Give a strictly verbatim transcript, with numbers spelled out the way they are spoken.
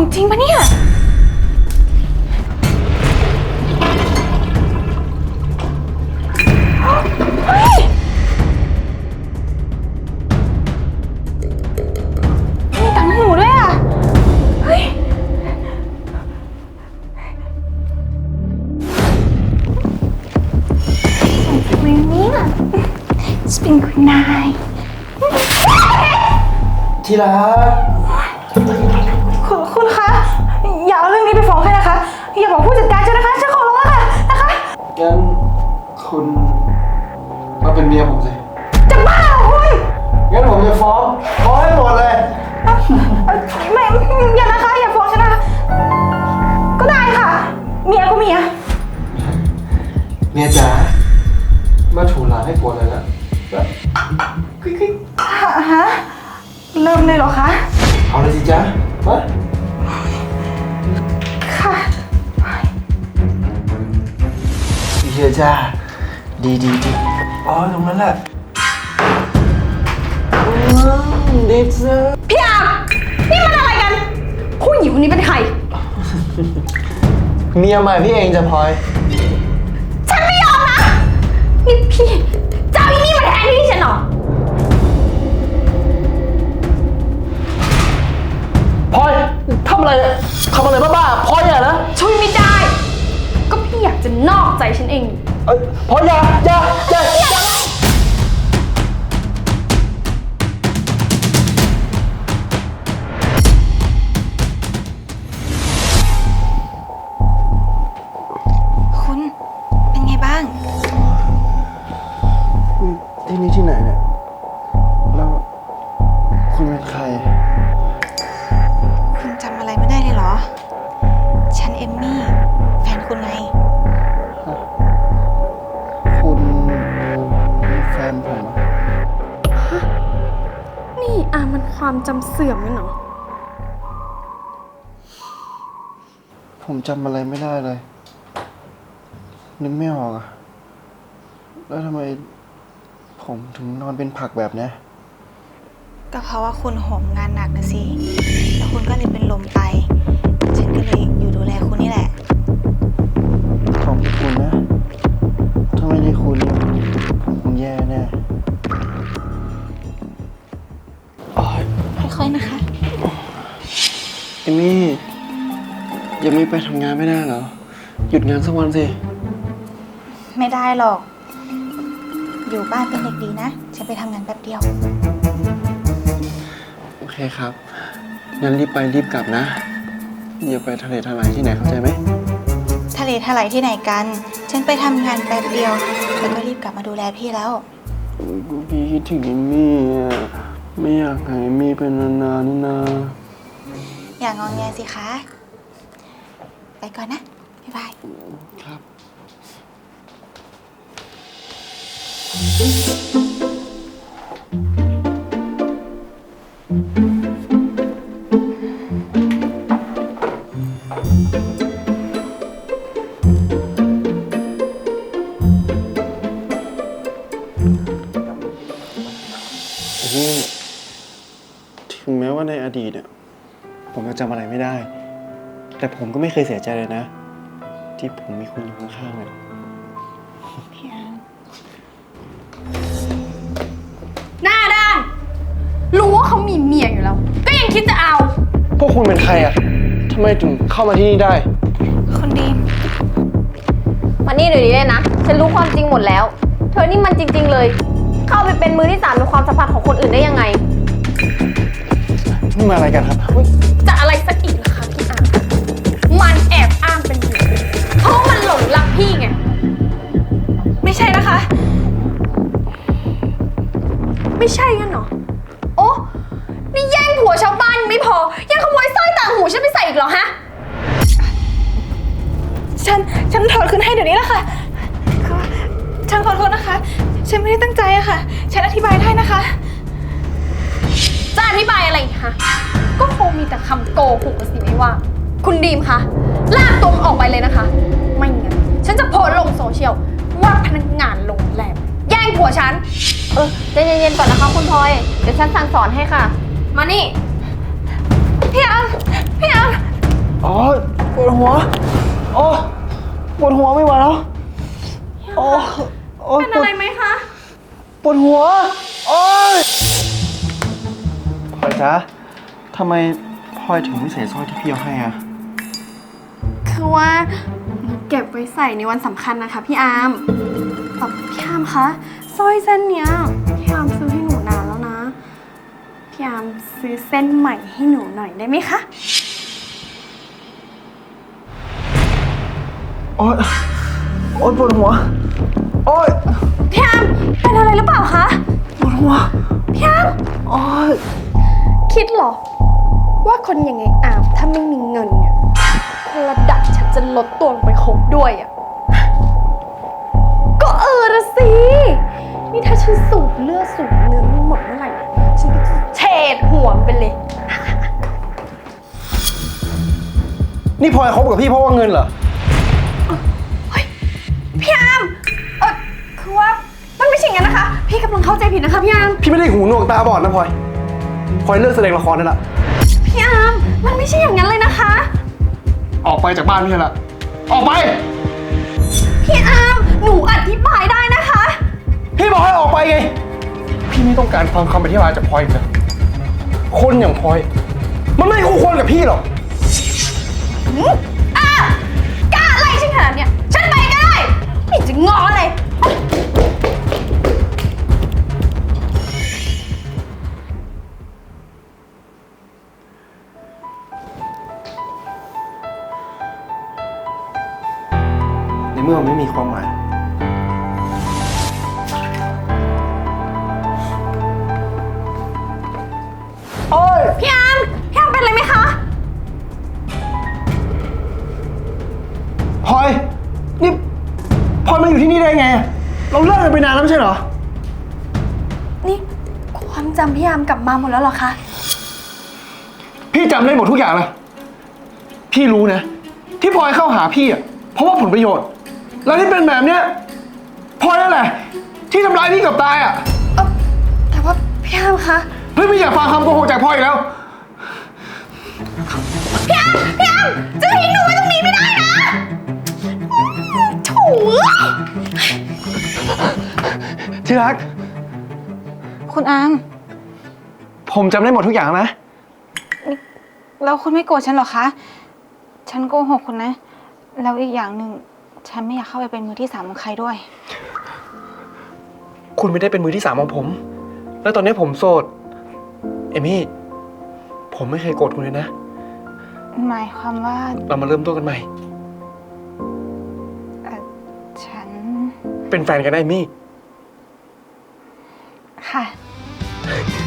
ของจริงปะเนี่ยเฮ้ยมีตังหูด้วยอ่ะเฮ้ยวินนี่อ่ะสปริงคุณนายที่รักคุณคุณคะอย่าเอาเรื่องนี้ไปฟ้องใครนะคะอย่าบอกผู้จัดการฉันนะคะฉันขอร้องค่ะนะคะงั้นคุณมาเป็นเมียผมสิจะบ้าเหรอคุณงั้นผมจะฟ้องฟ้องให้หมดเลยไม่อย่านะคะอย่าฟ้องฉันนะคะก็ได้ค่ะเมียก็เมียเมียจ๋ามาถูหลานให้ปวดเลยนะฮะเริ่มเลยเหรอคะเอาเลยสิจ๊ะมาค่ะเฮียจ้าดีดีดีอ๋อตรงนั้นแหละเด็กเซอร์พี่อานี่มันอะไรกันผู้หญิงคนนี้เป็นใครเมียใหม่พี่เองจะพลอยฉันไม่ยอมนะนี่พี่เจ้าอีนี่มาแทนที่ฉันเหรอพลอยทำอะไรทำอะไรบ้าๆพลอยอย่านะช่วยไม่ได้ก็พี่อยากจะนอกใจฉันเองเอ้ยพลอยอย่าอย่าอย่าอย่าคุณเป็นไงบ้างที่นี่ที่ไหนเนี่ยแล้วคุณเป็นใครคุณจำอะไรไม่ได้เลยเหรอฉันเอมมี่แฟนคุณไงคุณแฟนผมอะนี่อามันความจำเสื่อมไหมเนาะผมจำอะไรไม่ได้เลยนึกไม่ออกอะแล้วทำไมผมถึงนอนเป็นผักแบบนี้ก็เพราะว่าคุณโหมงานหนักนะสิแล้วคุณก็เลยเป็นลมไปฉันก็เลยอยู่ดูแลคุณนี่แหละขอบคุณนะถ้าไม่ได้คุณผมคงแย่แน่ค่อยๆนะคะเอมี่ยังไม่ไปทำงานไม่ได้เหรอหยุดงานสักวันสิไม่ได้หรอกอยู่บ้านเป็นเด็กดีนะฉันไปทำงานแป๊บเดียวโอเคครับงั้นรีบไปรีบกลับนะอย่าไปทะเลทลายที่ไหนเข้าใจไหมทะเลทลายที่ไหนกันฉันไปทำงานแป๊บเดียวแล้วก็รีบกลับมาดูแลพี่แล้วพี่คิดถึงเอมี่ไม่อยากให้เอมี่เป็นนานๆนี่นาอย่างงอแงสิคะไปก่อนนะบ๊ายบายครับนี่ถึงแม้ว่าในอดีตเนี่ยผมจะจำอะไรไม่ได้แต่ผมก็ไม่เคยเสียใจเลยนะที่ผมมีคุณอยู่ข้างๆเลยพี่อันหน้าด้านรู้ว่าเขามีเมียอยู่แล้วก็ยังคิดจะเอาพวกคุณเป็นใครอ่ะทำไมถึงเข้ามาที่นี่ได้คนดีมานี่เดี๋ยวนี้เลยนะฉันรู้ความจริงหมดแล้วเธอนี่มันจริงๆเลยเข้าไปเป็นมือที่สามในความสัมพันธ์ของคนอื่นได้ยังไงนี่มาอะไรกันครับจะอะไรสักอีกล่ะคะพี่อาร์มันแอบอ้างเป็นเมียเพราะมันหลงรักพี่ไงไม่ใช่นะคะไม่ใช่กันเหรอโอ้นี่แย่งผัวชาวบ้านไม่พอยังขโมยสร้อยต่างหูฉันไปใส่อีกเหรอฮะฉันฉันถอดคืนให้เดี๋ยวนี้แหละค่ะคือฉันขอโทษนะคะฉันไม่ได้ตั้งใจอะค่ะฉันอธิบายได้นะคะจะอธิบายอะไรคะก็คงมีแต่คำโกหกสิไม่ว่าคุณดีมคะลากตัวมันออกไปเลยนะคะไม่งั้นฉันจะโพสต์ลงโซเชียลว่าพนักงานโรงแรมแย่งผัวฉันเออใจเย็นๆก่อนนะคะคุณพลอยเดี๋ยวฉันสั่งสอนให้ค่ะมานี่พี่อัมพี่อัมอ๋อปวดหัวโอ้ปวดหัวไม่ไหวแล้วโอ้โอ้เป็นอะไรไหมคะปวดหัวโอ้ยพลอยจ๊ะทำไมพลอยถึงไม่ใส่สร้อยที่พี่เอาให้อ่ะคือว่าหนูเก็บไว้ใส่ในวันสำคัญนะคะพี่อาร์มแต่พี่อาร์มคะสร้อยเส้นเนี้ยพี่อาร์มซื้อให้หนูนานแล้วนะ พี่อาร์มซื้อเส้นใหม่ให้หนูหน่อยได้ไหมคะโอ๊ยโอ๊ยปวดหัวโอ๊ยพี่อาร์มเป็นอะไรหรือเปล่าคะปวดหัวพี่อาร์มโอ๊ยคิดเหรอ ว่าคนยังไงอาร์มถ้าไม่มีเงินเนี่ยระดับฉันจะลดตัวลงไปคบด้วยอ่ะ ก็เออละสิ นี่ถ้าฉันสูบเลือดสูบเนื้อไม่หมดเมื่อไหร่เนี่ยฉันก็จะเฉดหัวมันไปเลยนี่พลอยคบกับพี่เพราะว่าเงินเหรอเฮ้ยพี่อาร์มเออคือว่ามันไม่ใช่อย่างนั้นนะคะ พี่กำลังเข้าใจผิดนะคะพี่อาร์มพี่ไม่ได้หูหนวกตาบอดนะพลอยพลอยเลิกแสดงละครได้ละพี่อาร์มมันไม่ใช่อย่างนั้นเลยนะคะออกไปจากบ้านพี่ละออกไปพี่อาร์มหนูอธิบายได้นะคะพี่บอกให้ออกไปไง พี่ไม่ต้องการฟังคำอธิบายจากพลอยอีกแล้วคนอย่างพลอย มันไม่คู่ควรกับพี่หรอกอืมอ่ะกล้าไล่ฉันขนาดเนี้ยฉันไปก็ได้ไม่จะงอเลยในเมื่อมันไม่มีความหมายโอ๊ยพี่อาร์มพี่อาร์มเป็นอะไรไหมคะพลอย นี่พลอยมาอยู่ที่นี่ได้ไง เราเลิกกันไปนานแล้วไม่ใช่เหรอนี่ความจำพี่อาร์มกลับมาหมดแล้วเหรอคะพี่จำได้หมดทุกอย่างเลยพี่รู้นะ ที่พลอยเข้าหาพี่อ่ะ เพราะว่าผลประโยชน์ แล้วที่เป็นแบบเนี้ยพลอยนั่นแหละ ที่ทำร้ายพี่เกับตายอ่ะเออแต่ว่าพี่อาร์มคะเฮ้ยไม่อยากฟังคำโกหกจากพลอยอีกแล้วพี่อาร์มพี่อาร์มจะทิ้งหนูไว้ตรงนี้ไม่ได้นะโถูยที่รักคุณอาร์มผมจำได้หมดทุกอย่างนะแล้วคุณไม่โกรธฉันเหรอคะ ฉันโกหกคุณนะ แล้วอีกอย่างหนึ่งฉันไม่อยากเข้าไปเป็นมือที่สามของใครด้วยคุณไม่ได้เป็นมือที่สามของผม แล้วตอนนี้ผมโสด เอมี่ ผมไม่เคยโกรธคุณเลยนะหมายความว่าเรามาเริ่มต้นกันใหม่เอ่อฉันเป็นแฟนกันได้เอมี่ค่ะ